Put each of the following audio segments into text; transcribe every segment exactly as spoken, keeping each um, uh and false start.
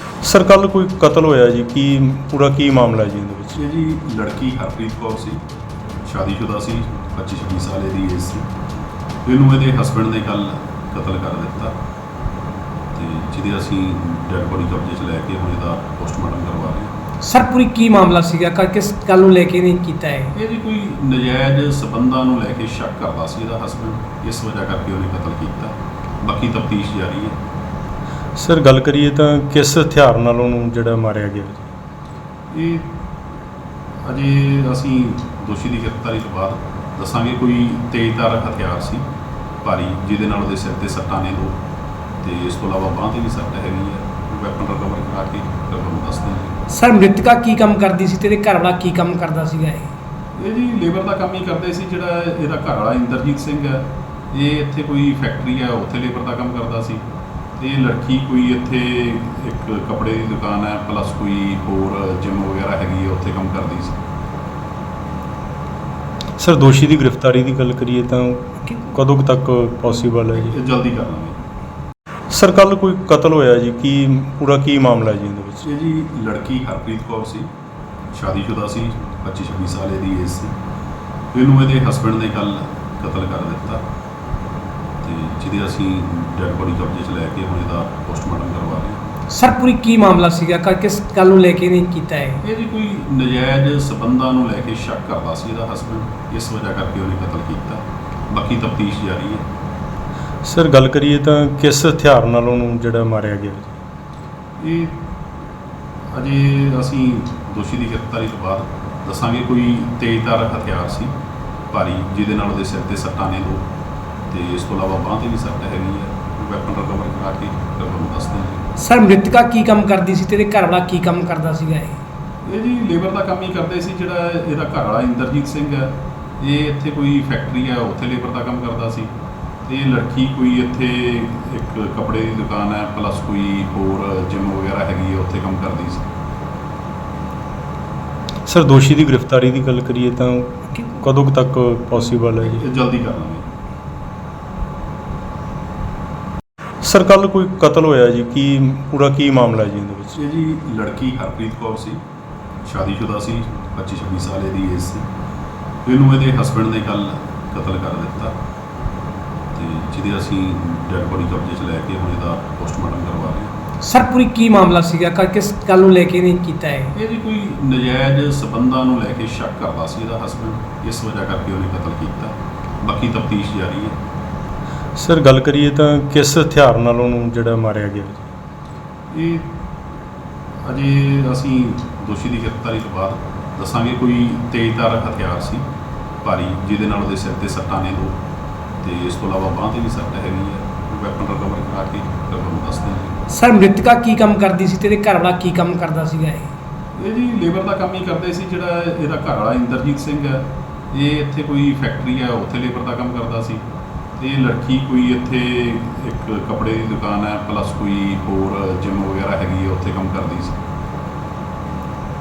Sir ਕੱਲ੍ਹ ਕੋਈ ਕਤਲ ਹੋਇਆ ਜੀ, ਕੀ ਪੂਰਾ ਕੀ ਮਾਮਲਾ ਜੀ ਇਹਦੇ ਵਿੱਚ? ਇਹ ਜੀ ਲੜਕੀ ਹਰਪ੍ਰੀਤ ਕੌਰ ਸੀ, ਸ਼ਾਦੀशुदा ਸੀ, ਪੱਚੀ ਛੱਬੀ ਸਾਲ ਦੀ ਏਜ ਸੀ। ਇਹਨੂੰ ਇਹਦੇ ਹਸਬੈਂਡ ਨੇ ਕੱਲ੍ਹ ਕਤਲ ਕਰ ਦਿੱਤਾ ਤੇ ਜਿਹਦੇ ਅਸੀਂ ਡੈਡ ਬੋਡੀ ਕਬਜ਼ੇ 'ਚ ਲੈ ਕੇ ਹੁਣ ਇਹਦਾ ਪੋਸਟਮਾਰਟਮ ਕਰਵਾ ਰਹੇ ਹਾਂ। ਸਰ ਪੂਰੀ ਕੀ ਮਾਮਲਾ ਸੀਗਾ, ਕ ਕਿਸ ਗੱਲ ਨੂੰ ਲੈ ਕੇ ਨਹੀਂ ਕੀਤਾ ਹੈ? ਇਹ ਜੀ ਕੋਈ ਨਜਾਇਜ਼ ਸਬੰਧਾਂ ਨੂੰ ਲੈ ਕੇ ਸ਼ੱਕ ਕਰਦਾ ਸੀ ਇਹਦਾ ਹਸਬੈਂਡ, ਇਸ ਵਜ੍ਹਾ ਕਰਕੇ ਉਹਨੇ ਕਤਲ ਕੀਤਾ। ਬਾਕੀ ਤਫਤੀਸ਼ ਜਾਰੀ ਹੈ। ਸਰ ਗੱਲ ਕਰੀਏ ਤਾਂ ਕਿਸ ਹਥਿਆਰ ਨਾਲ ਉਹਨੂੰ ਜਿਹੜਾ ਮਾਰਿਆ ਗਿਆ ਜੀ? ਇਹ ਅਜੇ ਅਸੀਂ ਦੋਸ਼ੀ ਦੀ ਗ੍ਰਿਫਤਾਰੀ ਤੋਂ ਬਾਅਦ ਦੱਸਾਂਗੇ। ਕੋਈ ਤੇਜ਼ਧਾਰ ਹਥਿਆਰ ਸੀ ਭਾਰੀ, ਜਿਹਦੇ ਨਾਲ ਉਹਦੇ ਸਿਰ ਤੇ ਸੱਟਾਂ ਨੇ ਦੋ, ਤੇ ਇਸ ਤੋਂ ਇਲਾਵਾ ਬਾਂਹ 'ਤੇ ਵੀ ਸੱਟ ਹੈਗੀ ਹੈ। ਵੈਪਨ ਰਿਕਵਰ ਕਰਾ ਕੇ ਫਿਰ ਤੁਹਾਨੂੰ ਦੱਸਦੇ ਹਾਂ। ਸਰ ਮ੍ਰਿਤਕਾ ਕੀ ਕੰਮ ਕਰਦੀ ਸੀ ਤੇ ਇਹਦੇ ਘਰ ਵਾਲਾ ਕੀ ਕੰਮ ਕਰਦਾ ਸੀਗਾ? ਇਹ ਇਹ ਜੀ ਲੇਬਰ ਦਾ ਕੰਮ ਹੀ ਕਰਦੇ ਸੀ। ਜਿਹੜਾ ਇਹਦਾ ਘਰ ਵਾਲਾ ਇੰਦਰਜੀਤ ਸਿੰਘ ਹੈ, ਇਹ ਇੱਥੇ ਕੋਈ ਫੈਕਟਰੀ ਹੈ, ਉੱਥੇ ਲੇਬਰ ਦਾ ਕੰਮ ਕਰਦਾ ਸੀ। ਤੇ ਇਹ ਲੜਕੀ ਕੋਈ ਇੱਥੇ ਇੱਕ ਕੱਪੜੇ ਦੀ ਦੁਕਾਨ ਹੈ, ਪਲੱਸ ਕੋਈ ਹੋਰ ਜਿਮ ਵਗੈਰਾ ਹੈਗੀ ਹੈ, ਉੱਥੇ ਕੰਮ ਕਰਦੀ ਸੀ। ਸਰ ਦੋਸ਼ੀ ਦੀ ਗ੍ਰਿਫਤਾਰੀ ਦੀ ਗੱਲ ਕਰੀਏ ਤਾਂ ਕਦੋਂ ਕੁ ਤੱਕ ਪੋਸੀਬਲ ਹੈ ਜੀ? ਇਹ ਜਲਦੀ ਕਰ ਲਾਂਗੇ। ਸਰ ਕੱਲ੍ਹ ਕੋਈ ਕਤਲ ਹੋਇਆ ਜੀ, ਕੀ ਪੂਰਾ ਕੀ ਮਾਮਲਾ ਜੀ ਇਹਦੇ ਵਿੱਚ? ਇਹ ਜੀ ਲੜਕੀ ਹਰਪ੍ਰੀਤ ਕੌਰ ਸੀ, ਸ਼ਾਦੀशुदा ਸੀ, ਪੱਚੀ ਛੱਬੀ ਸਾਲ ਦੀ ਏਜ ਸੀ। ਇਹਨੂੰ ਇਹਦੇ ਹਸਬੈਂਡ ਨੇ ਕੱਲ੍ਹ ਕਤਲ ਕਰ ਦਿੱਤਾ ਤੇ ਜਿਹਦੇ ਅਸੀਂ ਡੈਡ ਬੋਡੀ ਕਬਜ਼ੇ 'ਚ ਲੈ ਕੇ ਹੁਣ ਇਹਦਾ ਪੋਸਟਮਾਰਟਮ ਕਰਵਾ ਰਹੇ ਹਾਂ। ਸਰ ਪੂਰੀ ਕੀ ਮਾਮਲਾ ਸੀਗਾ, ਕ ਕਿਸ ਗੱਲ ਨੂੰ ਲੈ ਕੇ ਨਹੀਂ ਕੀਤਾ ਹੈ? ਇਹ ਜੀ ਕੋਈ ਨਜਾਇਜ਼ ਸਬੰਧਾਂ ਨੂੰ ਲੈ ਕੇ ਸ਼ੱਕ ਕਰਦਾ ਸੀ ਇਹਦਾ ਹਸਬੈਂਡ, ਇਸ ਵਜ੍ਹਾ ਕਰਕੇ ਉਹਨੇ ਕਤਲ ਕੀਤਾ। ਬਾਕੀ ਤਫਤੀਸ਼ ਜਾਰੀ ਹੈ। ਸਰ ਗੱਲ ਕਰੀਏ ਤਾਂ ਕਿਸ ਹਥਿਆਰ ਨਾਲ ਉਹਨੂੰ ਜਿਹੜਾ ਮਾਰਿਆ ਗਿਆ ਜੀ? ਇਹ ਅਜੇ ਅਸੀਂ ਦੋਸ਼ੀ ਦੀ ਗ੍ਰਿਫਤਾਰੀ ਤੋਂ ਬਾਅਦ ਦੱਸਾਂਗੇ। ਕੋਈ ਤੇਜ਼ਧਾਰ ਹਥਿਆਰ ਸੀ ਭਾਰੀ, ਜਿਹਦੇ ਨਾਲ ਉਹਦੇ ਸਿਰ ਤੇ ਸੱਟਾਂ ਨੇ ਦੋ, ਤੇ ਇਸ ਤੋਂ ਇਲਾਵਾ ਬਾਂਹ 'ਤੇ ਵੀ ਸੱਟ ਹੈਗੀ ਹੈ। ਵੈਪਨ ਰਿਕਵਰ ਕਰਾ ਕੇ ਫਿਰ ਤੁਹਾਨੂੰ ਦੱਸਦੇ ਹਾਂ। ਸਰ ਮ੍ਰਿਤਕਾ ਕੀ ਕੰਮ ਕਰਦੀ ਸੀ ਤੇ ਇਹਦੇ ਘਰ ਵਾਲਾ ਕੀ ਕੰਮ ਕਰਦਾ ਸੀਗਾ? ਇਹ ਇਹ ਜੀ ਲੇਬਰ ਦਾ ਕੰਮ ਹੀ ਕਰਦੇ ਸੀ। ਜਿਹੜਾ ਇਹਦਾ ਘਰ ਵਾਲਾ ਇੰਦਰਜੀਤ ਸਿੰਘ ਹੈ, ਇਹ ਇੱਥੇ ਕੋਈ ਫੈਕਟਰੀ ਹੈ, ਉੱਥੇ ਲੇਬਰ ਦਾ ਕੰਮ ਕਰਦਾ ਸੀ। ਤੇ ਇਹ ਲੜਕੀ ਕੋਈ ਇੱਥੇ ਇੱਕ ਕੱਪੜੇ ਦੀ ਦੁਕਾਨ ਹੈ, ਪਲੱਸ ਕੋਈ ਹੋਰ ਜਿਮ ਵਗੈਰਾ ਹੈਗੀ ਹੈ, ਉੱਥੇ ਕੰਮ ਕਰਦੀ ਸੀ। ਸਰ ਦੋਸ਼ੀ ਦੀ ਗ੍ਰਿਫਤਾਰੀ ਦੀ ਗੱਲ ਕਰੀਏ ਤਾਂ ਕਦੋਂ ਕੁ ਤੱਕ ਪੋਸੀਬਲ ਹੈ ਜੀ? ਇਹ ਜਲਦੀ ਕਰ ਲਾਂਗੇ। ਸਰ ਕੱਲ੍ਹ ਕੋਈ ਕਤਲ ਹੋਇਆ ਜੀ, ਕੀ ਪੂਰਾ ਕੀ ਮਾਮਲਾ ਜੀ ਇਹਦੇ ਵਿੱਚ? ਇਹ ਜੀ ਲੜਕੀ ਹਰਪ੍ਰੀਤ ਕੌਰ ਸੀ, ਸ਼ਾਦੀशुदा ਸੀ, ਪੱਚੀ ਛੱਬੀ ਸਾਲ ਦੀ ਏਜ ਸੀ। ਇਹਨੂੰ ਇਹਦੇ ਹਸਬੈਂਡ ਨੇ ਕੱਲ੍ਹ ਕਤਲ ਕਰ ਦਿੱਤਾ ਤੇ ਜਿਹਦੇ ਅਸੀਂ ਡੈਡ ਬੋਡੀ ਕਬਜ਼ੇ 'ਚ ਲੈ ਕੇ ਹੁਣ ਇਹਦਾ ਪੋਸਟਮਾਰਟਮ ਕਰਵਾ ਰਹੇ ਹਾਂ। ਸਰ ਪੂਰੀ ਕੀ ਮਾਮਲਾ ਸੀਗਾ, ਕ ਕਿਸ ਗੱਲ ਨੂੰ ਲੈ ਕੇ ਨਹੀਂ ਕੀਤਾ ਹੈ? ਇਹ ਜੀ ਕੋਈ ਨਜਾਇਜ਼ ਸਬੰਧਾਂ ਨੂੰ ਲੈ ਕੇ ਸ਼ੱਕ ਕਰਦਾ ਸੀ ਇਹਦਾ ਹਸਬੈਂਡ, ਇਸ ਵਜ੍ਹਾ ਕਰਕੇ ਉਹਨੇ ਕਤਲ ਕੀਤਾ। ਬਾਕੀ ਤਫਤੀਸ਼ ਜਾਰੀ ਹੈ। ਸਰ ਗੱਲ ਕਰੀਏ ਤਾਂ ਕਿਸ ਹਥਿਆਰ ਨਾਲ ਉਹਨੂੰ ਜਿਹੜਾ ਮਾਰਿਆ ਗਿਆ ਜੀ? ਇਹ ਅਜੇ ਅਸੀਂ ਦੋਸ਼ੀ ਦੀ ਗ੍ਰਿਫਤਾਰੀ ਤੋਂ ਬਾਅਦ ਦੱਸਾਂਗੇ। ਕੋਈ ਤੇਜ਼ਧਾਰ ਹਥਿਆਰ ਸੀ ਭਾਰੀ, ਜਿਹਦੇ ਨਾਲ ਉਹਦੇ ਸਿਰ ਤੇ ਸੱਟਾਂ ਨੇ ਦੋ, ਤੇ ਇਸ ਤੋਂ ਇਲਾਵਾ ਬਾਂਹ 'ਤੇ ਵੀ ਸੱਟ ਹੈਗੀ ਹੈ। ਵੈਪਨ ਰਿਕਵਰ ਕਰਾ ਕੇ ਫਿਰ ਤੁਹਾਨੂੰ ਦੱਸਦੇ ਹਾਂ। ਸਰ ਮ੍ਰਿਤਕਾ ਕੀ ਕੰਮ ਕਰਦੀ ਸੀ ਤੇ ਇਹਦੇ ਘਰ ਵਾਲਾ ਕੀ ਕੰਮ ਕਰਦਾ ਸੀਗਾ? ਇਹ ਇਹ ਜੀ ਲੇਬਰ ਦਾ ਕੰਮ ਹੀ ਕਰਦੇ ਸੀ। ਜਿਹੜਾ ਇਹਦਾ ਘਰ ਵਾਲਾ ਇੰਦਰਜੀਤ ਸਿੰਘ ਹੈ, ਇਹ ਇੱਥੇ ਕੋਈ ਫੈਕਟਰੀ ਹੈ, ਉੱਥੇ ਲੇਬਰ ਦਾ ਕੰਮ ਕਰਦਾ ਸੀ। ਤੇ ਇਹ ਲੜਕੀ ਕੋਈ ਇੱਥੇ ਇੱਕ ਕੱਪੜੇ ਦੀ ਦੁਕਾਨ ਹੈ, ਪਲੱਸ ਕੋਈ ਹੋਰ ਜਿਮ ਵਗੈਰਾ ਹੈਗੀ ਹੈ, ਉੱਥੇ ਕੰਮ ਕਰਦੀ ਸੀ।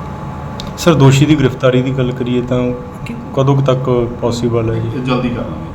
ਸਰ ਦੋਸ਼ੀ ਦੀ ਗ੍ਰਿਫਤਾਰੀ ਦੀ ਗੱਲ ਕਰੀਏ ਤਾਂ ਕਦੋਂ ਕੁ ਤੱਕ ਪੋਸੀਬਲ ਹੈ ਜੀ? ਇਹ ਜਲਦੀ ਕਰ ਲਾਂਗੇ।